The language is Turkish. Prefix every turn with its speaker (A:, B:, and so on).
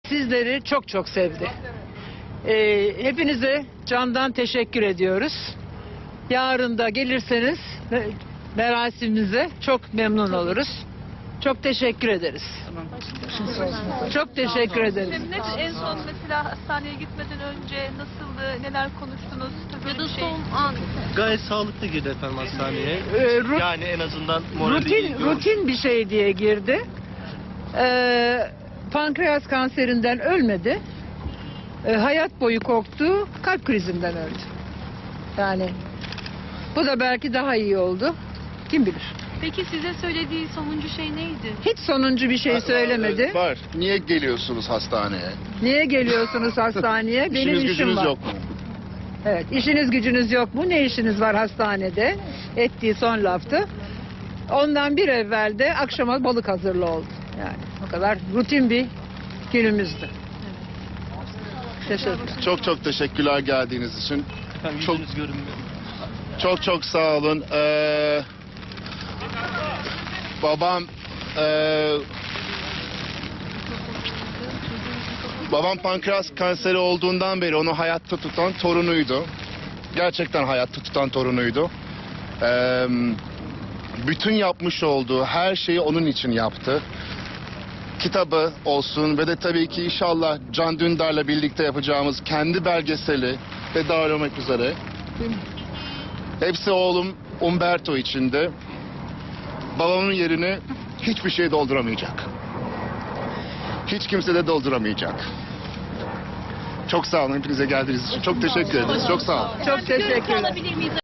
A: Sizleri çok çok sevdi. Hepinize candan teşekkür ediyoruz. Yarın da gelirseniz merasimimize çok memnun oluruz. Çok teşekkür ederiz. Çok teşekkür ederiz.
B: En son mesela hastaneye gitmeden önce nasıldı, neler konuştunuz? Ya da son an.
C: Gayet sağlıklı girdi efendim hastaneye. Yani en azından
A: Rutin bir şey diye girdi. Pankreas kanserinden ölmedi. Hayat boyu korktu, kalp krizinden öldü. Yani bu da belki daha iyi oldu. Kim bilir.
B: Peki size söylediği sonuncu şey neydi?
A: Hiç sonuncu bir şey söylemedi.
D: Var. Niye geliyorsunuz hastaneye?
A: Niye geliyorsunuz hastaneye? Benim
D: İşiniz
A: işim
D: gücünüz
A: var.
D: yok mu?
A: Evet, işiniz gücünüz yok mu? Ne işiniz var hastanede? Ettiği son laftı. Ondan bir evvel de akşama balık hazırlı oldu. Yani o kadar rutin bir günümüzdü. Teşekkür.
D: Çok çok teşekkürler geldiğiniz için.
C: Efendim
D: Çok-
C: yüzünüz görünmüyor.
D: Çok sağ olun. Babam pankreas kanseri olduğundan beri onu hayatta tutan torunuydu. Gerçekten hayatta tutan torunuydu. Bütün yapmış olduğu her şeyi onun için yaptı. Kitabı olsun ve de tabii ki inşallah Can Dündar'la birlikte yapacağımız kendi belgeseli ve dahil olmak üzere. Hepsi oğlum Umberto içinde. Babamın yerini hiçbir şey dolduramayacak. Hiç kimse de dolduramayacak. Çok sağ olun hepinize geldiğiniz için. Çok teşekkür ederiz. Çok sağ olun.
A: Çok teşekkürler.